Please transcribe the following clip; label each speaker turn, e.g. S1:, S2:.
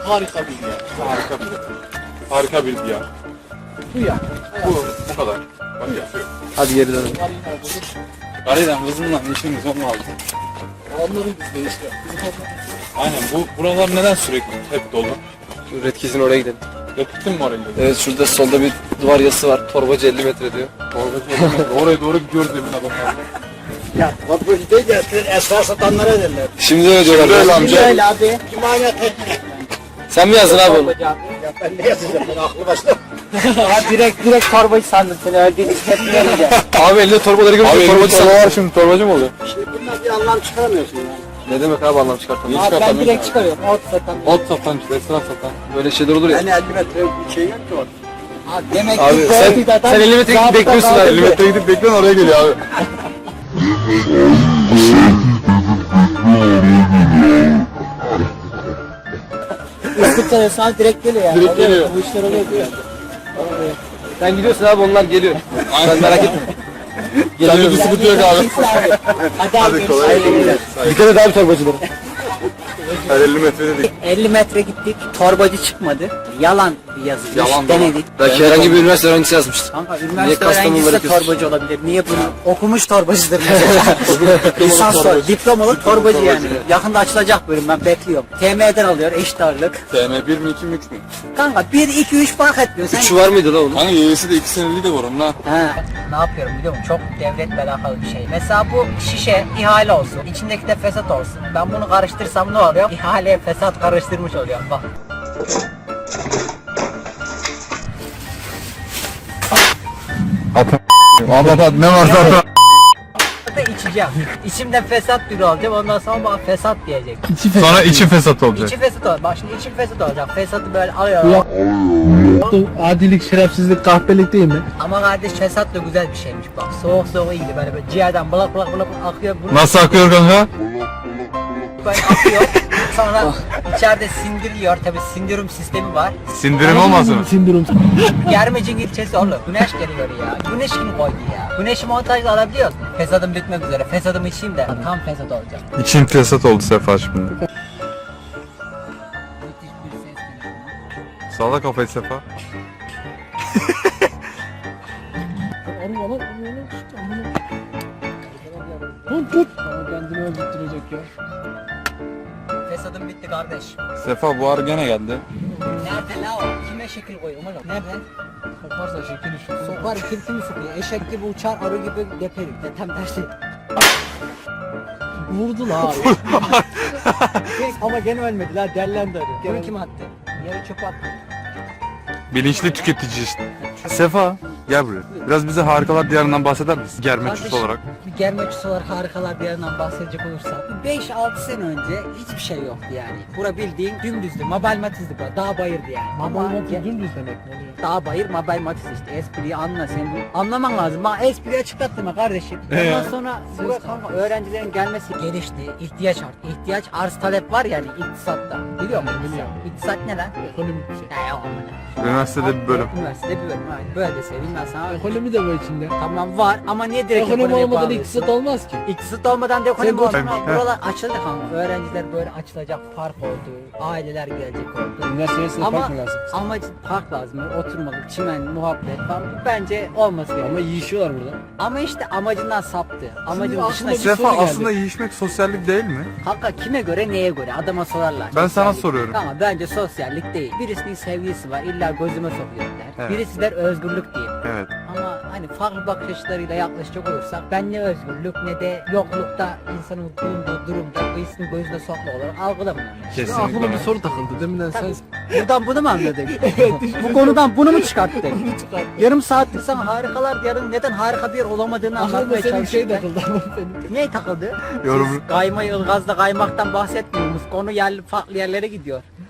S1: Harika bir yer.
S2: Harika bir diyar.
S1: Bu ya.
S2: Bu kadar. Bak yapıyor.
S3: Hadi geri dönelim.
S2: Galeden kızımla işimiz olmaz.
S1: Onların bizde işte.
S2: Aynen buralar neden sürekli hep dolu?
S3: Şu Red Keys'in oraya gidelim.
S2: Gittin mi oraya?
S3: Evet, şurada solda bir duvar yazısı var. Torbacı 50 metre diyor.
S2: Oraya doğru gidiyoruz emin adamlar.
S1: Ya kapıcı değil ya. Esrar satanlara derler.
S3: Şimdi öyle diyorlar.
S2: Şimdi öyle amca.
S1: Öyle abi. İmanet etmek.
S3: Sen mi yazdın abi onu?
S1: Ya ben ne yazacağım? Ben aklı başına.
S4: Ya direkt torbacı sandım seni öldüğünü hissetmeyince.
S3: Abi elinde torbaları görünce
S2: Abi
S3: torbacı
S2: torba
S3: sandım.
S2: var şimdi torbacı mı oluyor?
S1: Şimdi bundan bir anlam çıkaramıyorsun yani.
S3: Ne demek abi anlam çıkartamıyor.
S4: Abi ben direkt çıkarıyorum. Ot satan.
S2: Ot satan işte esnaf satan.
S3: Böyle şeyler olur ya.
S1: Yani 50 metre bir şey yok ki orada.
S4: Abi demek
S3: Abi
S4: ki
S3: sen 50 metre gidip bekliyorsun abi.
S2: 50 metre gidip bekliyorsun oraya geliyor abi.
S4: Iskut sana direkt geliyor yani.
S2: Direkt
S4: Oluyor,
S2: geliyor.
S4: Bu işler oluyor diyor.
S3: Sen gidiyorsun abi, onlar geliyor. Sen merak etme.
S2: Sende bir sıkıntı yok abi.
S4: Hadi abi.
S2: kolay gelsin.
S3: Dikkat et abi torbacılara.
S2: Hadi 50 metre dedik.
S4: 50 metre gittik. Torbacı çıkmadı. Yalan bir yazı.
S2: Yalan
S4: Denedik.
S3: Belki herhangi bir üniversite öğrencisi yazmıştır.
S4: Kanka
S3: Niye
S4: üniversite
S3: Kastamonu'ları
S4: öğrencisi de
S3: yapıyorsun?
S4: torbacı olabilir. Niye bunu? Okumuş torbacıdır mesela. Lisans diplomalı torbacı yani. Yakında açılacak bölüm, ben bekliyorum. TM'den alıyor eşit ağırlık.
S2: TM 1 mi 2 mi 3 mü?
S4: Kanka 1, 2, 3 fark etmiyor. Sen...
S3: Üçü var mıydı la onun?
S2: Hani yeğesi de 2 seneliği de var onun ha.
S4: He. Ne yapıyorum biliyor musun? Çok devletle alakalı bir şey. Mesela bu şişe ihale olsun. İçindeki de fesat olsun. Ben bunu karıştırsam ne oluyor? İhaleye fesat karıştırmış oluyor. Bak.
S2: At ne varsa at.
S4: Da içeceğim. İçimden fesat biri alacağım. Ondan sonra bana fesat diyecek.
S2: Sonra içi fesat olacak.
S4: İçi fesat olacak. Bak şimdi içim fesat olacak. Fesatı böyle alıyorum.
S1: Adilik, şerefsizlik, kahpelik değil mi?
S4: Ama kardeş fesat da güzel bir şeymiş bak. Soğuk soğuk iyiydi böyle ciğerden bulak bulak bulak akıyor. Bunu
S2: Nasıl akıyor kanka?
S4: böyle akıyor. Sonra içeride sindiriliyor. Tabi sindirim sistemi var.
S2: Sindirim olmasın mı?
S1: Sindrom.
S4: Germecin ilçesi oğlum. Güneş geliyor ya. Güneş kim koydu ya? Güneşi montajla alabiliyoruz. Fesadım bitmek üzere. Fesadımı içeyim de tam fesat olacak.
S2: İçin fesat oldu Sefa şimdi.
S4: Müthiş bir ses geliyor.
S2: Sağla kafayı Sefa.
S1: Tut. Ama kendini öldürtecek ya.
S4: Fesadım bitti kardeş.
S2: Sefa bu ara gene geldi.
S4: Nerede la o? Kime şekil koyuyorum oğlum? Nerede?
S1: Sokarsa şekil şu.
S4: Sokar kirpimi sıkıyor. Eşek gibi uçar, arı gibi deperim. Tam tersi.
S1: Vurdu la abi.
S4: Ama gene ölmedi la, derlendi arı. Bunu kim attı? Yere çöp attı.
S2: Bilinçli tüketici işte. Sefa gel buraya. Biraz bize harikalar diyarından bahseder misin? Germeçüs
S4: Kardeşim,
S2: olarak.
S4: Bir germeçüs olarak harikalar bir yandan bahsedecek olursak 5-6 sene önce hiçbir şey yoktu yani. Bura bildiğin dümdüzdü, Mabel Matiz'di bura, dağ bayırdı yani. Ama
S1: Dümdüz demek mi oluyor?
S4: dağ bayır, Mabel Matiz işte, espriyi anla sen bu. Anlaman lazım, bana espriyi açıklattın mı kardeşim? Ondan sonra buraya kanka öğrencilerin gelmesi gelişti, ihtiyaç arttı. İhtiyaç arz talep var yani iktisatta. Biliyor musun?
S1: Biliyorum.
S4: İktisat ne lan?
S1: Ekonomik bir şey.
S4: Ya yok amına.
S2: Üniversitede bir bölüm.
S4: Üniversitede bir bölüm, aynen. Böyle de seveyim ben sana.
S1: Ekonomi de var içinde.
S4: Tamam var ama niye direkt
S1: Ekonomi
S4: ekonomiye
S1: olmadan
S4: bağlıyorsun?
S1: iktisat olmaz ki.
S4: İktisat olmadan da ekonomi
S1: Sen
S4: olmaz.
S2: bu-
S4: Buralar açıldı kanka. Öğrenciler böyle açılacak, park oldu. Aileler gelecek oldu.
S1: Üniversitesine
S4: Ama
S1: fark mı lazım?
S4: amacı park lazım. Oturmalık, çimen, muhabbet falan. Bu bence olması gerekiyor.
S1: Ama yiyişiyorlar burada.
S4: Ama işte amacından saptı. Amacın
S1: Şimdi
S4: dışına
S1: aklıma bir
S4: çıktı.
S2: Sefa
S1: soru geldi.
S2: aslında yiyişmek sosyallik değil mi?
S4: Kanka kime göre neye göre adama sorarlar.
S2: Ben sana
S4: Sosyallik.
S2: soruyorum.
S4: Ama bence sosyallik değil. Birisinin sevgilisi var, illa gözüme sokuyor der.
S2: Evet.
S4: Birisi der özgürlük değil.
S2: Evet.
S4: Ama hani farklı bakış açılarıyla yaklaşacak olursak ben ne özgürlük ne de yoklukta insanın bulunduğu durumda birisinin gözüne sokma olarak algılamıyorum. Yani.
S1: Ya aklıma bir soru takıldı. Deminden sen
S4: Buradan bunu mu anladın? Bu konudan bunu mu çıkarttın? Yarım saattir sana harikalar diyarın neden harika bir yer olamadığını
S1: aklıma
S4: anlatmaya
S1: senin şey
S4: çalışıyorum.
S1: takıldı ama benim.
S4: Niye takıldı?
S2: Yorum.
S4: Siz kayma Ilgaz'da kaymaktan bahsetmiyorsunuz. Konu yerli farklı yerlere gidiyor.